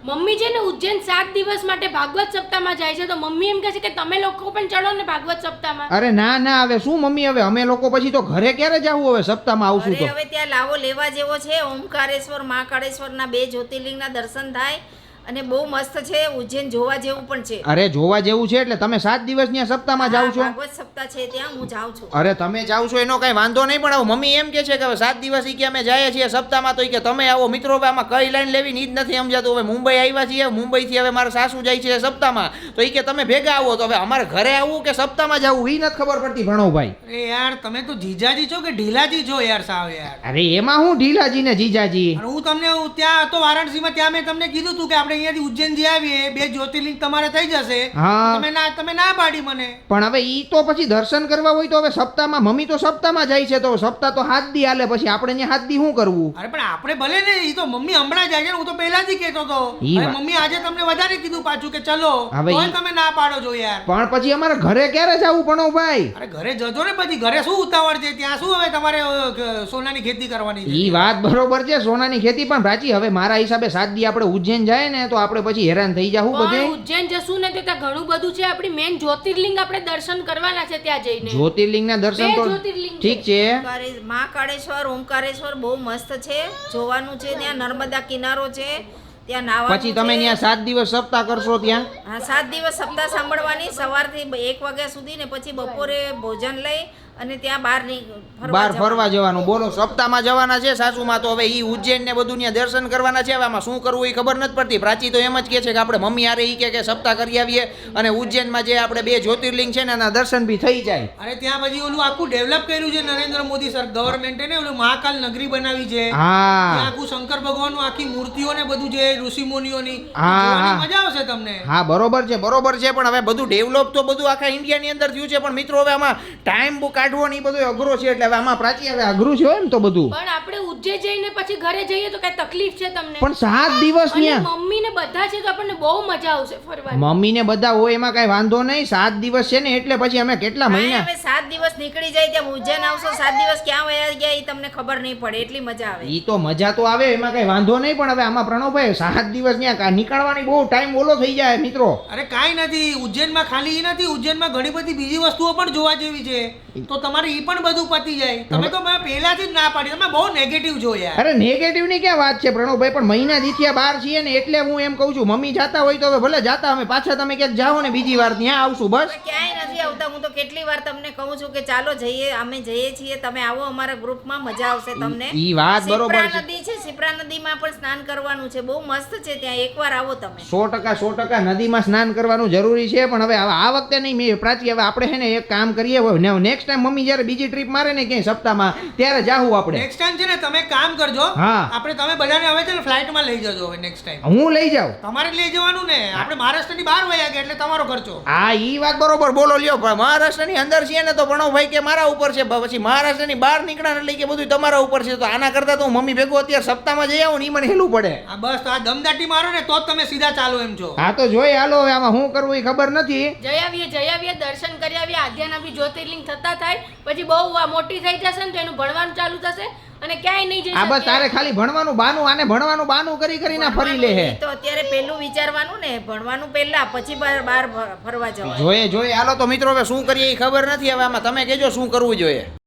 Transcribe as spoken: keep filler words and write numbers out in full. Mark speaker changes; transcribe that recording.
Speaker 1: Mummy છે ને ઉજ્જૈન સાત દિવસ માટે ભાગવત સપ્તાહમાં જાય છે, તો મમ્મી એમ કહે છે કે તમે લોકો પણ ચડો ને ભાગવત સપ્તાહમાં.
Speaker 2: અરે ના ના, હવે શું મમ્મી, હવે અમે લોકો પછી તો ઘરે ક્યારે જાવું, હવે સપ્તાહમાં આવશું તો.
Speaker 3: હવે ત્યાં લાવો લેવા જેવો છે. ઓમકારેશ્વર મહાકાળેશ્વરના બે જ્યોતિર્લિંગના દર્શન થાય અને બહુ મસ્ત છે. ઉજ્જૈન જોવા જેવું પણ છે.
Speaker 2: અરે જોવા જેવું છે એટલે તમે સાત દિવસ ત્યાં સપ્તાહમાં જાવ છો?
Speaker 3: ભાગવત સપ્તાહ છે ત્યાં હું જાઉં છું.
Speaker 2: અરે તમે જાવ છો એનો કઈ વાંધો નહીં, પણ હવે મમ્મી એમ કે છે કે હવે સાત દિવસ ઈ કે અમે જઈએ છીએ સપ્તાહમાં, તો ઈ કે તમે આવો. મિત્રો હવે આમાં કઈ લાઈન લેવી ઈ જ નથી સમજાતું. હવે મુંબઈ આવ્યા છીએ, મુંબઈ થી હવે મારા સાસુ જાય છે સપ્તાહમાં, તો ઈ કે તમે ભેગા આવો. તો હવે અમારે ઘરે આવવું કે સપ્તાહમાં જવું ઈ નથી ખબર પડતી ભણોભાઈ.
Speaker 4: અરે યાર તમે તો જીજાજી છો કે ઢીલાજી છો યાર સાવ યાર.
Speaker 2: અરે એમાં હું ઢીલાજી ને જીજાજી.
Speaker 4: અને હું તમને ત્યાં હતો વારાણસીમાં, ત્યાં મેં તમને કીધું હતું કે આપણે અહીંયાથી ઉજ્જૈન જઈ આવીએ, બે જ્યોતિર્લિંગ તમારે થઈ જશે.
Speaker 2: હા.
Speaker 4: તમે ના તમે ના પાડી મને.
Speaker 2: પણ હવે ઈ તો પછી દર્શન કરવા હોય તો હવે સપ્તાહમાં, મમ્મી તો સપ્તાહમાં જાય છે, તો સપ્તાહ તો હાથ દી હાલે, પછી આપણે ત્યાં હાથ દી શું કરવું?
Speaker 4: અરે પણ આપણે ભલે ને, ઈ તો મમ્મી હમણાં જાય છે, હું તો પહેલાથી કહેતો હતો.
Speaker 2: ઈ
Speaker 4: અરે
Speaker 2: વાત.
Speaker 4: મમ્મી આજે તમને વધારે કીધું પાછું કે ચલો,
Speaker 2: હવે
Speaker 4: તોય
Speaker 2: ઈ-
Speaker 4: તમે ના પાડો છો યાર.
Speaker 2: પણ પછી અમારે ઘરે ક્યારે જવું ભણોભાઈ?
Speaker 4: અરે ઘરે જજો ને, પછી ઘરે શું ઉતાવળ છે? ત્યાં શું હવે તમારે અ, ક- સોનાની ખેતી કરવાની છે?
Speaker 2: ઈ વાત બરોબર છે, સોનાની ખેતી, પણ પ્રાચી હવે મારા હિસાબે સાત દી આપણે ઉજ્જૈન જાય ને તો આપણે પછી હેરાન થઈ જાવું બધે.
Speaker 1: પણ ઉજ્જૈન જશું ને તો ત્યાં ઘણું બધું છે. આપણી મેન જ્યોતિર્લિંગ આપણે દર્શન કરવાના છે ત્યાં જઈને.
Speaker 2: જ્યોતિર્લિંગના દર્શન
Speaker 1: બે
Speaker 2: તો
Speaker 1: જ્યોતિર્લિંગ
Speaker 2: ઠીક છે.
Speaker 3: ઓમકારે- મહાકાળેશ્વર ઓમકારેશ્વર બહુ મસ્ત છે, જોવાનું છે. ત્યાં નર્મદા કિનારો છે, ત્યાં નાવાનું
Speaker 2: પછી તમે
Speaker 3: છે.
Speaker 2: ત્યાં સાત દિવસ સપ્તાહ કરશો ત્યાં?
Speaker 3: હા, સાત દિવસ સપ્તાહ સાંભળવાની, સવારથી બ- એક વાગ્યા સુધી ને પછી બપોરે ભોજન લઈ અને ત્યાં બહાર ની
Speaker 2: બાર ફરવા જવાનું. બોલો, સપ્તાહમાં જવાના છે સાસુમાં, તો હવે ઈ ઉજ્જૈન ને બધું ત્યાં દર્શન કરવાના છે. હવે આમાં શું કરવું એ ખબર નથી પડતી. પ્રાચી તો એમ જ કહે છે કે આપણે મમ્મી આરે ઈ કે કે સપ્તાહ કરી આવીએ અને ઉજ્જૈનમાં જે આપણે બે જ્યોતિર્લિંગ છે ને એના દર્શન બી થઈ જાય.
Speaker 4: અરે ત્યાં પછી ઓલું આખું ડેવલપ કર્યું છે નરેન્દ્ર મોદી સર ગવર્મેન્ટે ને, ઓલું મહાકાલ નગરી બનાવી છે. ત્યાં
Speaker 2: હા
Speaker 4: આખું શંકર ભગવાનનું આખી મૂર્તિઓ ને બધું છે, ઋષિ મુનિઓની,
Speaker 2: હા,
Speaker 4: જોવાની
Speaker 2: હા.
Speaker 4: મજા આવશે તમને.
Speaker 2: હા બરોબર છે, બરોબર છે, પણ હવે બધું ડેવલપ તો બધું આખા ઇન્ડિયાની અંદર થયું છે, પણ મિત્રો હવે આમાં ટાઈમ બહુ કાઢવો ને ઈ બધું અઘરો છે, એટલે હવે આમાં પ્રાચી હવે અઘરું છે એમ તો બધું.
Speaker 1: પણ આપણે ઉજ્જૈન જઈને પછી ઘરે જઈએ તો કઈ તકલીફ છે તમને?
Speaker 2: પણ સાત દિવસ
Speaker 1: અને
Speaker 2: ત્યાં
Speaker 1: મમ્મી ને બધા છે તો આપણને બહુ મજા આવશે ફરવાની.
Speaker 2: મમ્મી ને બધા હોય એમાં કઈ વાંધો નહીં. સાત દિવસ છે ને એટલે પછી અમે કેટલા મહિના.
Speaker 3: હવે સાત દિવસ નીકળી જાય, ત્યાં ઉજ્જૈન આવશો, સાત દિવસ ક્યાં વયા ગયા એ તમને ખબર નહીં પડે, એટલી મજા આવે.
Speaker 2: ઈ તો મજા તો આવે, એમાં કઈ વાંધો નહીં, પણ હવે આમાં પ્રણવભાઈ સાત દિવસ ત્યાં નીકળવાની બહુ ટાઈમ ઓલો થઈ જાય મિત્રો.
Speaker 4: અરે કાંઈ નથી, ઉજ્જૈનમાં ખાલી ઈ નથી, ઉજ્જૈનમાં ઘણી બધી બીજી વસ્તુઓ પણ જોવા જેવી છે, તો તમારે ઈ પણ બધું પતી જાય. તમે તો મેં પહેલાથી જ ના પાડી, તમે બહુ નેગેટિવ છો યાર.
Speaker 2: અરે નેગેટિવ ની ક્યાં વાત છે પ્રણવભાઈ, પણ મહિના દીથિયા બહાર છીએ ને એટલે હું એમ કહું છું, મમ્મી જાતા હોય તો હવે ભલે જાતા, અમે પાછા તમે ક્યાંક જાઓ ને બીજી વાર ત્યાં આવશું બસ.
Speaker 3: હવે ક્યાંય નથી આવતા. હું તો કેટલી વાર તમને કહું છું કે ચાલો જઈએ, અમે જઈએ છીએ, તમે આવો અમારા ગ્રુપમાં, મજા આવશે તમને.
Speaker 2: ઈ વાત બરોબર છે.
Speaker 3: શિપ્રા નદી છે, શિપ્રા નદીમાં પણ સ્નાન કરવાનું છે, બહુ મસ્ત છે ત્યાં, એકવાર આવો તમે.
Speaker 2: સો ટકા સો ટકા નદીમાં સ્નાન કરવાનું જરૂરી છે, પણ હવે આ વખતે નહીં મેં પ્રાચી, હવે આપણે છે ને એક કામ કરીએ, નેક્સ્ટ ટાઈમ મમ્મી જયારે બીજી ટ્રીપ મારે ને ક્યાંય સપ્તાહમાં ત્યારે જાહું આપણે.
Speaker 4: નેક્સ્ટ ટાઈમ છે ને તમે એક કામ કરજો,
Speaker 2: હા.
Speaker 4: આપણે તમે બધાને હવે છે ને ફ્લાઇટમાં લઈ જજો હવે નેક્સ્ટ ટાઈમ.
Speaker 2: હું લઈ જાઉં.
Speaker 4: તમારે જ લઈ જવાનું ને, આપણે મહારાષ્ટ્રની બહાર વયા ગયા એટલે તમારો ખર્ચો.
Speaker 2: હા ઈ વાત બરોબર બોલો લ્યો, પણ મહારાષ્ટ્રની અંદર છીએ ને તો ભણોભાઈ કે મારા ઉપર છે, પછી મહારાષ્ટ્રની બહાર નીકળ્યા એટલે કે બધું તમારા ઉપર છે, તો આના કરતા તો હું મમ્મી ભેગો અત્યારે સપ્તાહમાં જઈ આવું ને ઈ મને હેલું પડે.
Speaker 4: આ બસ આ દમદાટી મારો ને તો જ તમે સીધા ચાલો એમ છો.
Speaker 2: હા તો જોઈ હાલો, હવે આમાં શું કરવું એ ખબર નથી.
Speaker 1: જઈ આવીએ જઈ આવીએ દર્શન કરી આવીએ, આધ્યાના બી જ્યોતિર્લિંગ થતા થાય, પછી બહુ આ મોટી થઈ જશે ને તો એનું ભણવાનું ચાલુ થશે અને ક્યાંય નહીં જઈ
Speaker 2: આ બસ
Speaker 1: શકીએ.
Speaker 2: તારે ખાલી ભણવાનું બાનું, આને ભણવાનું બાનું કરી કરીને ફરી લે હે.
Speaker 3: ભણવાનું તો અત્યારે પહેલું વિચારવાનું ને, ભણવાનું પહેલા, પછી બહાર બહાર ફરવા જવાનું.
Speaker 2: જોઈએ જોઈએ હાલો તો મિત્રો હવે શું કરીએ એ ખબર નથી. હવે આમાં તમે કહેજો શું કરવું જોઈએ.